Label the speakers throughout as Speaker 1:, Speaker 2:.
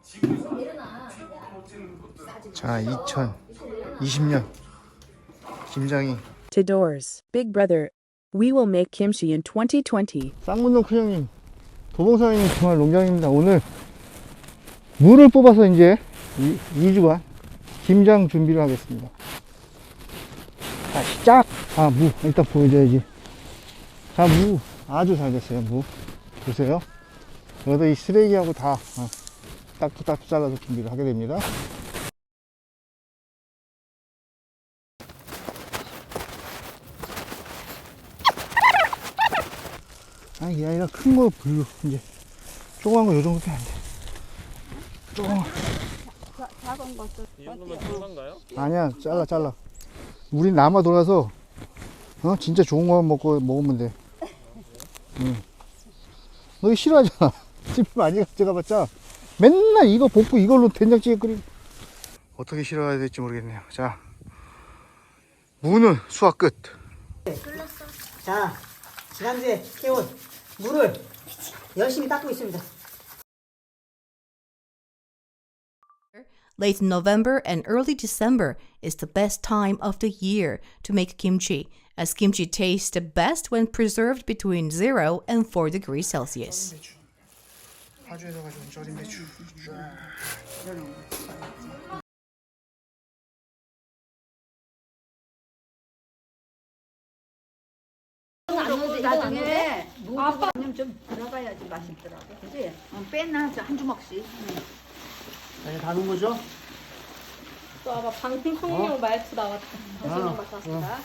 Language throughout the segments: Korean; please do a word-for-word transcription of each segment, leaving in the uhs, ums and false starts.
Speaker 1: 자, 이천이십 년 김장이
Speaker 2: Tidors, Big Brother. We will make kimchi in twenty twenty.
Speaker 1: 쌍문동 큰형님, 도봉사장님 정말 농장입니다. 오늘 무를 뽑아서 이제 이 주간 김장 준비를 하겠습니다. 자, 시작! 아, 무 일단 보여줘야지. 자, 무 아주 잘 됐어요. 무 보세요. 여기다 이 쓰레기하고 다 어, 딱딱딱 잘라서 준비를 하게 됩니다. 아, 이게 아니라 큰 거 불로 이제 조그만 거 요 정도밖에 안 돼. 조그만
Speaker 3: 작은 것도
Speaker 4: 이 정도면 들어간가요?
Speaker 1: 아니야, 잘라 잘라. 우린 남아 돌아서 어 진짜 좋은 거만 먹고 먹으면 돼. 응. 너 이거 싫어하잖아. 집에 많이 가져가봤자 맨날 이거 볶고 이걸로 된장찌개 끓이고. 어떻게 싫어해야 될지 모르겠네요. 자, 무는 수확 끝.
Speaker 5: 자, 지난주에 캐온 물을 열심히 닦고 있습니다.
Speaker 6: Late November and early December is the best time of the year to make kimchi, as kimchi tastes the best when preserved between zero and four degrees Celsius.
Speaker 1: 파주에서 가져온 절임 배추.
Speaker 3: 나중에 무는 좀 들어가야지 맛있더라고. 그지? 어, 빼나 저 한 주먹씩.
Speaker 5: 자, 이제 다 넣은 거죠?
Speaker 7: 또 아마 방송용 말투 나왔다.
Speaker 5: 아,
Speaker 7: 맞았습니다.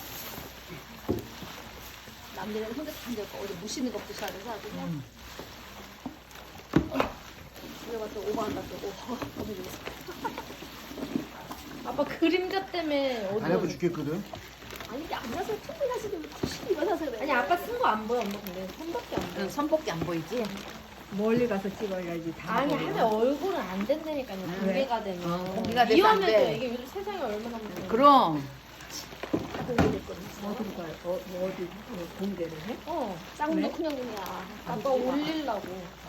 Speaker 7: 남들은 혼자 다 앉아있고 어디 무시는 것도 잘 해서 아주 그냥 내가 또 오버한다 또 오버. 아빠 그림자 때문에 어디
Speaker 1: 안 해보 죽겠거든.
Speaker 7: 아니 이게 안 나서 처음에 나서도 구십이 나서 그래. 아니 아빠 쓴 거 안 보여 엄마 근데 손밖에 안 보여.
Speaker 3: 선밖에 안 보이지? 멀리 가서 찍어야지. 다
Speaker 7: 아니
Speaker 3: 보이네.
Speaker 7: 하면 얼굴은 안 된다니까요. 공개가 되면.
Speaker 3: 어, 공개가 돼서 안
Speaker 7: 위험해도
Speaker 3: 돼.
Speaker 7: 이게 요즘 세상에 얼마나 무서워.
Speaker 3: 그럼
Speaker 7: 다들 이랬거든.
Speaker 3: 어디로 가요? 어, 뭐 어디 어, 공개를 해?
Speaker 7: 어, 쌍도 그냥 그냥 아빠 올리려고.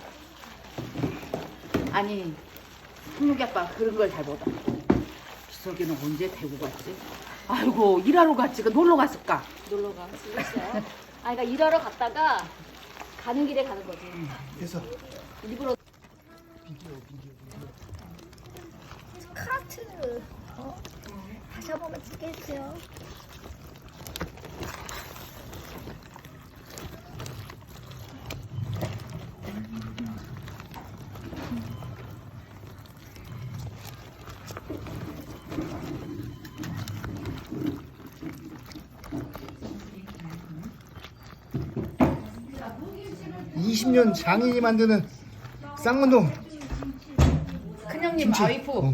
Speaker 3: 아니, 흥욱이 아빠 그런 걸 잘 보다. 기석이는 언제 대구 갔지? 아이고 일하러 갔지? 그 놀러 갔을까?
Speaker 7: 놀러 가. 진짜. 아, 그러니까 일하러 갔다가 가는 길에 가는 거지.
Speaker 1: 그래서
Speaker 7: 일부러.
Speaker 8: 카트 어? 다시 한 번만 찍게 해주세요.
Speaker 1: 이십 년 장인이 만드는 쌍문동
Speaker 3: 큰형님 와이프.
Speaker 1: 어.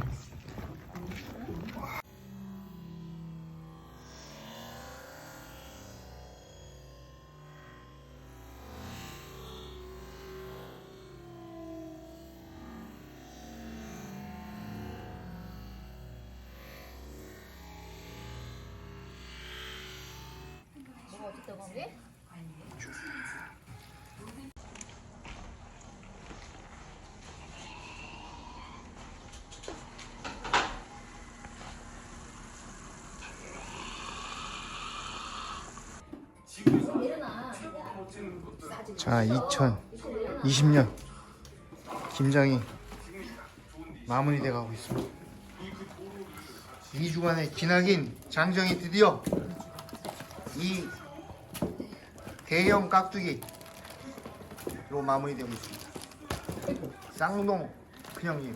Speaker 7: 뭐가 어쨌든 건데?
Speaker 1: 자, 이천이십 년 김장이 마무리돼 가고 있습니다. 이 주간의 기나긴 장정이 드디어 이 대형 깍두기로 마무리되고 있습니다. 쌍동 큰형님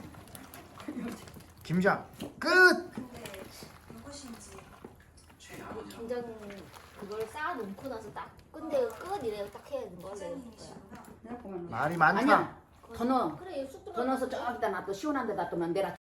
Speaker 1: 김장 끝!
Speaker 8: 김장 그걸 쌓아놓고 나서 딱 근데 끝 이래요. 딱 해야 되는 거야.
Speaker 1: 말이 많다.
Speaker 3: 아니야. 더 넣어.
Speaker 8: 그래 쑥
Speaker 3: 더 넣어서 저기다 놔둬. 시원한 데다 놔두면 내라.